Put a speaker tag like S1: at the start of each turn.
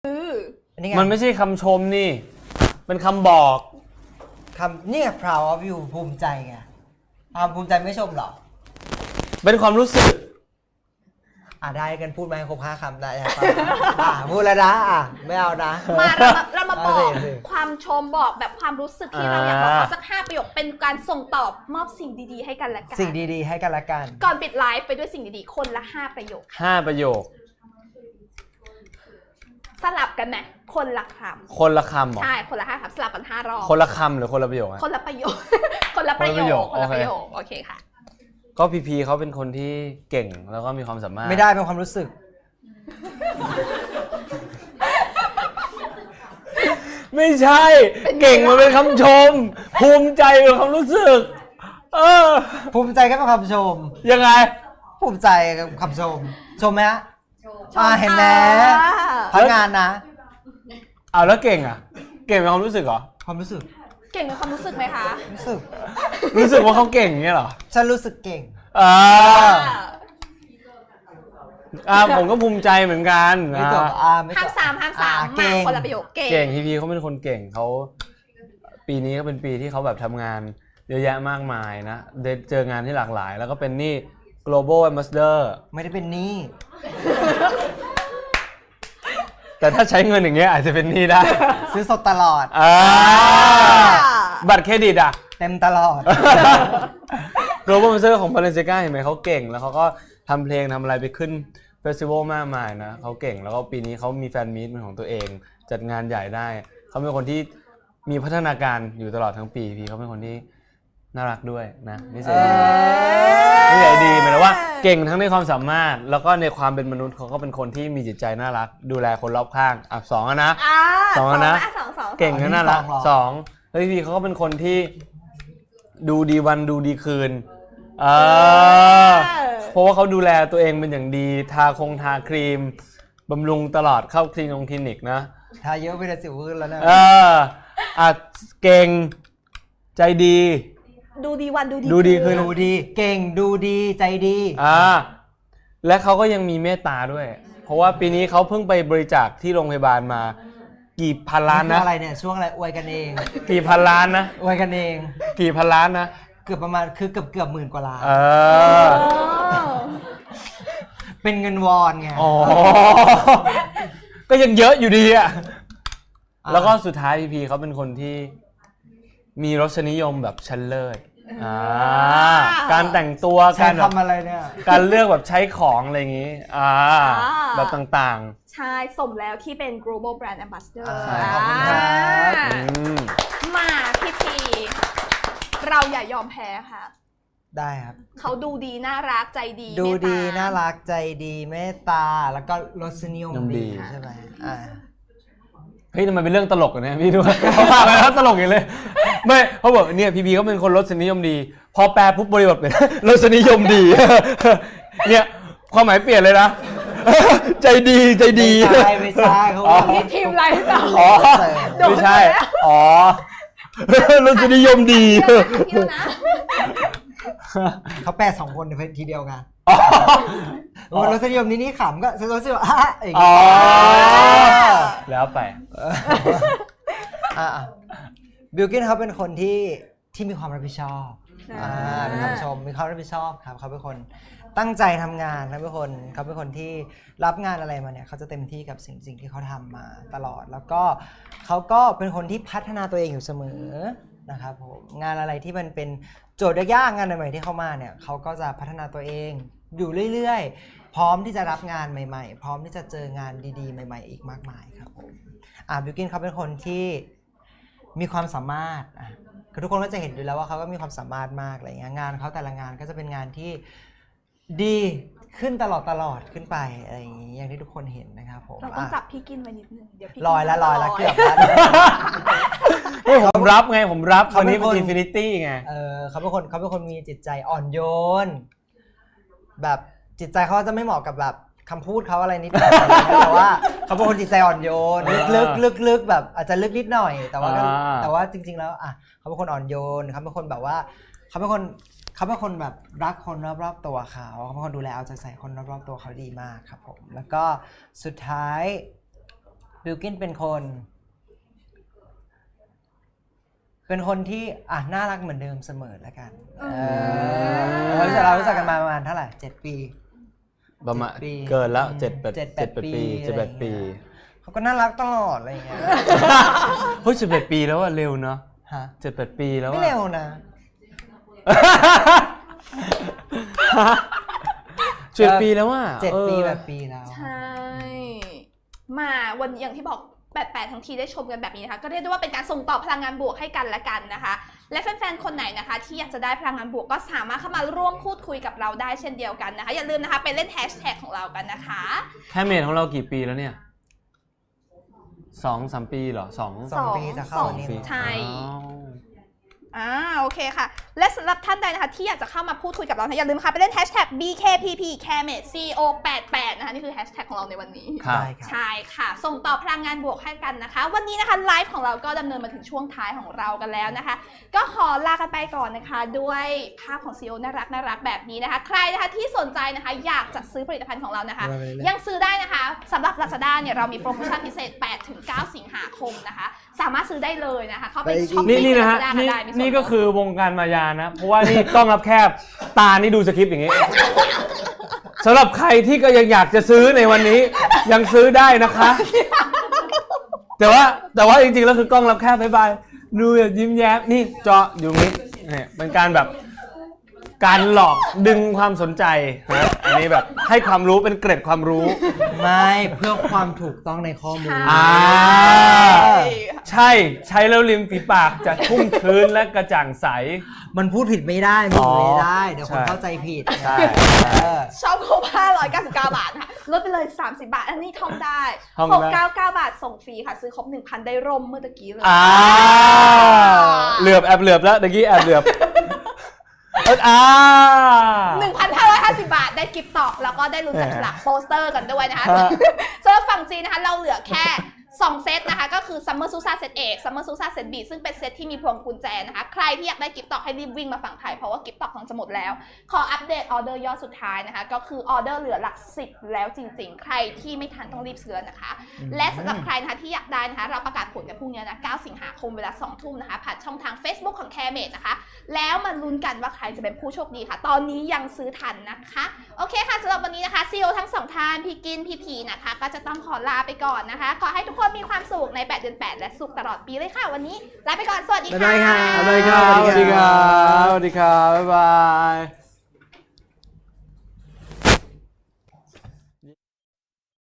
S1: มันไม่ใช่คำชมนี่เป็นคำบอก
S2: เนี่ย proud of you ภูมิใจไงภูมิใจไม่ชมหรอ
S1: เป็นความรู้สึก
S2: ได้กันพูดไหมครบ5 คำได้ครับพูดแล้วนะไม่เอานะ
S3: มาเรามาบอกความชมบอกแบบความรู้สึกที่เราอยากบอกเขาสัก5 ประโยคเป็นการส่งตอบมอบสิ่งดีๆให้กันและกัน
S2: สิ่งดีๆให้กันและกัน
S3: ก่อนปิดไลฟ์ไปด้วยสิ่งดีๆคนละ5 ประโยค
S1: 5 ประโยค
S3: สลับกันไหมคนละค
S1: ำคนละคำหรอ
S3: ใช่คนละ5 คำสลับกัน5 รอบ
S1: คนละคำหรือคนละประโยค
S3: คนละประโยคคนละประโยคโอเคค่ะ
S1: ก็พีเขาเป็นคนที่เก่งแล้วก็มีความสามารถ
S2: ไม่ได้เป็นความรู้สึก
S1: ไม่ใช่เก่งมันเป็นคำชมภูมิใจเป็นความรู้สึก
S2: ภูมิใจก็เป็นคำชม
S1: ยังไง
S2: ภูมิใจกับคำชมไหมฮะเห็นไหมพักงานนะ
S1: แล้วเก่งเก่งเป็นความรู้สึกเหรอ
S2: ความรู้สึก
S3: เก่งเป็นความรู้สึกไหมคะ
S2: รู้สึก
S1: ว่าเขาเก่งอย่างเงี้ยเหรอ
S2: ฉันรู้สึกเก่ง
S1: ผมก็ภูมิใจเหมือนกัน
S2: ไม่จบ
S3: ห้าม3มาคนละประโยค
S1: เก่งพีเขาเป็นคนเก่งเขาปีนี้ก็เป็นปีที่เขาแบบทำงานเยอะแยะมากมายนะได้เจองานที่หลากหลายแล้วก็เป็นนี่ global ambassador
S2: ไม่ได้เป็นนี่
S1: แต่ถ้าใช้เงินอย่างเงี้ยอาจจะเป็นนี่ได้
S2: ซื้อสดตลอด
S1: บัตรเครดิต
S2: เต็มตลอด
S1: global ambassador ของ Balenciaga เห็นไหมเขาเก่งแล้วเขาก็ทำเพลงทำอะไรไปขึ้นเฟสติวัลมากมายนะเขาเก่งแล้วก็ปีนี้เขามีแฟนมีตเป็นของตัวเองจัดงานใหญ่ได้เขาเป็นคนที่มีพัฒนาการอยู่ตลอดทั้งปีพี่เขาเป็นคนที่น่ารักด้วยนะนิสัยดีหมายถึงว่าเก่งทั้งในความสามารถแล้วก็ในความเป็นมนุษย์เขาก็เป็นคนที่มีจิตใจน่ารักดูแลคนรอบข้าง2นะ2นะเก่งและน่ารัก2แล้วพี่เขาก็เป็นคนที่ดูดีวันดูดีคืนเพราะว่าเขาดูแลตัวเองเป็นอย่างดีทาครีมบำรุงตลอดเข้าคลินิกนะ
S2: ทาเยอะไปแต่สิวขึ้นแล้วนะ
S1: เก่งใจดี
S3: ดูดีวัน
S1: ดูดีคืน
S2: ดูดีเก่งดูดีใจดี
S1: และเขาก็ยังมีเมตตาด้วยเพราะว่าปีนี้เขาเพิ่งไปบริจาคที่โรงพยาบาลมากี่พันล้านนะ
S2: อะไรเนี่ยช่วงอะไรอวยกันเอง
S1: กี่พันล้านนะ
S2: อวยกันเอง
S1: กี่พันล้านนะ
S2: เกือบประมาณคือเกือบ10,000 กว่าล้านเป็นเงินวอนไง
S1: ก็ยังเยอะอยู่ดีแล้วก็สุดท้ายพีเขาเป็นคนที่มีรสนิยมแบบชั้นเลิศการแต่งตัว
S2: การทำอะไรเนี่ย
S1: การเลือกแบบใช้ของอะไรอย่างนี้แบบต่าง
S3: ๆใช่สมแล้วที่เป็น global brand ambassador
S2: ขอบคุณครับ
S3: มาพีเราอย่ายอมแพ้ค่ะ
S2: ได้ครับ
S3: เขาดูดีน่ารักใจดี
S2: ดูดีน่ารักใจดีเมตตาแล้วก็รสนิยมดีใช่ไหม
S1: เฮ้ยทำไมเป็นเรื่องตลกอ่ะเนี่ยพี่ดูเขาพาไปแล้วตลกอย่างเลยไม่เขาบอกเนี่ยพีเขาเป็นคนรสนิยมดีพอแปลปุ๊บบริบทเป็นรสนิยมดีเนี่ยความหมายเปลี่ยนเลยนะใจดี
S2: ไม่ใช่เขา
S3: นี่ทีมอะไรต่อ
S1: ไม่ใช่รสนิยมดี
S2: เขาแปล2 คนในทีเดียวกันรสนิยมนี่ขำก็รสนิยม
S1: แล้วไป
S2: บิลกิ้นเขาเป็นคนที่มีความรับผิดชอบเป็นคำชมมีความรับผิดชอบครับเขาเป็นคนตั้งใจทำงานเขาเป็นคนที่รับงานอะไรมาเนี่ยเขาจะเต็มที่กับสิ่งที่เขาทำมาตลอดแล้วก็เขาก็เป็นคนที่พัฒนาตัวเองอยู่เสมอนะครับผมงานอะไรที่มันเป็นโจทย์ยากงานใหม่ๆที่เข้ามาเนี่ยเขาก็จะพัฒนาตัวเองอยู่เรื่อยๆพร้อมที่จะรับงานใหม่ๆพร้อมที่จะเจองานดีๆใหม่ๆอีกมากมายครับผมบิลกิ้นเขาเป็นคนที่มีความสามารถคือทุกคนก็จะเห็นอยู่แล้วว่าเขาก็มีความสามารถมากอะไรเงี้ยงานเขาแต่ละงานก็จะเป็นงานที่ดีขึ้นตลอดขึ้นไปอะไรอย่างนี้อย่างที่ทุกคนเห็นนะครับผม
S3: เราต้องจับพี่กินไว้นิดนึงเดี๋ยวพี่
S2: ลอยแล้วเกือบ
S1: แล้วผมรับวันนี้เป็นอินฟินิตี้ไง
S2: เขาเป็นคนมีจิตใจอ่อนโยนแบบจิตใจเขาจะไม่เหมาะกับแบบคำพูดเขาอะไรนิดหน่อยแต่ว่าเขาเป็นคนจิตใจอ่อนโยนลึกแบบอาจจะลึกนิดหน่อยแต่ว่าจริงๆแล้วเขาเป็นคนอ่อนโยนเขาเป็นคนแบบว่าเขาเป็นคนแบบรักคนรอบๆตัวเขาเป็นคนดูแลเอาใจใส่คนรอบๆตัวเขาดีมากครับผมแล้วก็สุดท้ายบิลกินเป็นคนที่น่ารักเหมือนเดิมเสมอแล้วกันเรารู้จักกันมาประมาณเท่าไหร่7 ปี
S1: ประมาณ
S2: 7 ปี
S1: เกินแล้ว
S2: 7-8 ปี
S1: 7-8 ปี
S2: เขาก็น่ารักตลอดอะไรอย่างเงี้ย
S1: เฮ้ย11 ปีแล้วอะเร็วเนาะ
S2: ฮะ
S1: 7-8 ปีแล้ว
S2: ไม่
S1: อะ
S2: เร็วนะ
S1: 7 ปีแล้วอะ
S2: 7 ปีแบบปีแล้ว
S3: ใช่ มาวันอย่างที่บอก88ทั้งทีได้ชมกันแบบนี้นะคะก็เรียกได้ว่าเป็นการส่งต่อพลังงานบวกให้กันและกันนะคะและแฟนๆคนไหนนะคะที่อยากจะได้พลังงานบวกก็สามารถเข้ามาร่วมพูดคุยกับเราได้เช่นเดียวกันนะคะอย่าลืมนะคะไปเล่นแฮชแท็กของเรากันนะคะ
S1: แค่เมทของเรากี่ปีแล้วเนี่ย2-3 ปีเหรอ
S2: 2 ปีจะเข้าวันนี้
S3: ใช่โอเคค่ะ และสำหรับท่านใดนะคะที่อยากจะเข้ามาพูดคุยกับเราอย่าลืมค่ะไปเล่นแฮชแท็ก BKPP Camate CO88 นะคะนี่คือแฮชแท็กของเราในวันนี้
S1: ครับ
S3: ใช่ค่ะส่งต่อพลังงานบวกให้กันนะคะวันนี้นะคะไลฟ์ของเราก็ดำเนินมาถึงช่วงท้ายของเรากันแล้วนะคะก็ขอลากันไปก่อนนะคะด้วยภาพของ CEO น่ารักแบบนี้นะคะใครนะคะที่สนใจนะคะอยากจะซื้อผลิตภัณฑ์ของเรานะคะยังซื้อได้นะคะสำหรับ Lazada เนี่ยเรามีโปรโมชั่นพิเศษ 8-9 สิงหาคมนะคะสามารถซื้อได้เลยนะคะเข้าไปช้อปปิ้ง
S1: นี่
S3: ใน
S1: นะฮะ
S3: Lazada ก็ได้มีส่วนลด
S1: นี่ก็คือวงการมายานะ เพราะว่านี่กล้องรับแคบตานี่ดูสคริปต์อย่างนี้สำหรับใครที่ก็ยังอยากจะซื้อในวันนี้ยังซื้อได้นะคะ แต่ว่าจริงๆแล้วคือกล้องรับแคบบ๊ายบายดูแบบยิ้มแย้มนี่เจาะอยู่นี้เนี่ยเป็นการแบบการหลอกดึงความสนใจนะอันนี้แบบให้ความรู้เป็นเกร็ดความรู้
S2: ไม่เพื่อความถูกต้องในข้อมูล
S1: ใช่ใช้แล้วริมฝีปากจะชุ่มชื้นและกระจ่างใส
S2: มันพูดผิดไม่ได้พูดไม่ได้เดี๋ยวคนเข้าใจผิด
S1: ใช่
S3: ชอบครบ599 บาทค่ะลดไปเลย30 บาทอันนี้ท่องได้
S1: ท่องได้
S3: 699 บาทส่งฟรีค่ะซื้อครบ 1,000 ได้ร่มเมื่อตะกี้เลย
S1: เหลือบแอบเหลือบแล้วเมื่อกี้แอบเหลือบ
S3: 1,550 บาทได้กิฟต์ตอกแล้วก็ได้ลุ้นจับฉลากโปสเตอร์กันด้วยนะคะสำหรับฝั่งจีนนะคะเราเหลือแค่2 เซตนะคะก็คือ Summer Susa เซต A Summer Susa เซต B ซึ่งเป็นเซตที่มีพวงกุญแจนะคะใครที่อยากได้กิฟต์ตอกให้รีบวิ่งมาฝั่งไทยเพราะว่ากิฟต์ตอกของจะหมดแล้วขออัปเดตออเดอร์ยอดสุดท้ายนะคะก็คือออเดอร์เหลือหลัก10แล้วจริงๆใครที่ไม่ทันต้องรีบซื้อนะคะและสำหรับใครนะคะที่อยากได้นะคะเราประกาศผลกันพรุ่งนี้นะ9 สิงหาคมเวลา 2 ทุ่มนะคะผ่านช่องทาง Facebook ของ Camate นะคะแล้วมาลุ้นกันว่าใครจะเป็นผู้โชคดีค่ะตอนนี้ยังซื้อทันนะคะโอเคค่ะสำหรับวันนี้นะคะ CEO ทั้ง2ท่านพี่กินพี่พีนะคะก็จะต้องขอลาไปก่อนนะคะขอให้ทุกคนมีความสุขใน8 เดือน 8และสุขตลอดปีเลยค่ะวันนี้ลาไปก่อนสวัสดีค่ะ
S2: บ๊ายบายค่ะ
S1: สวัสดีครับ สวัสดีครับ บ๊ายบาย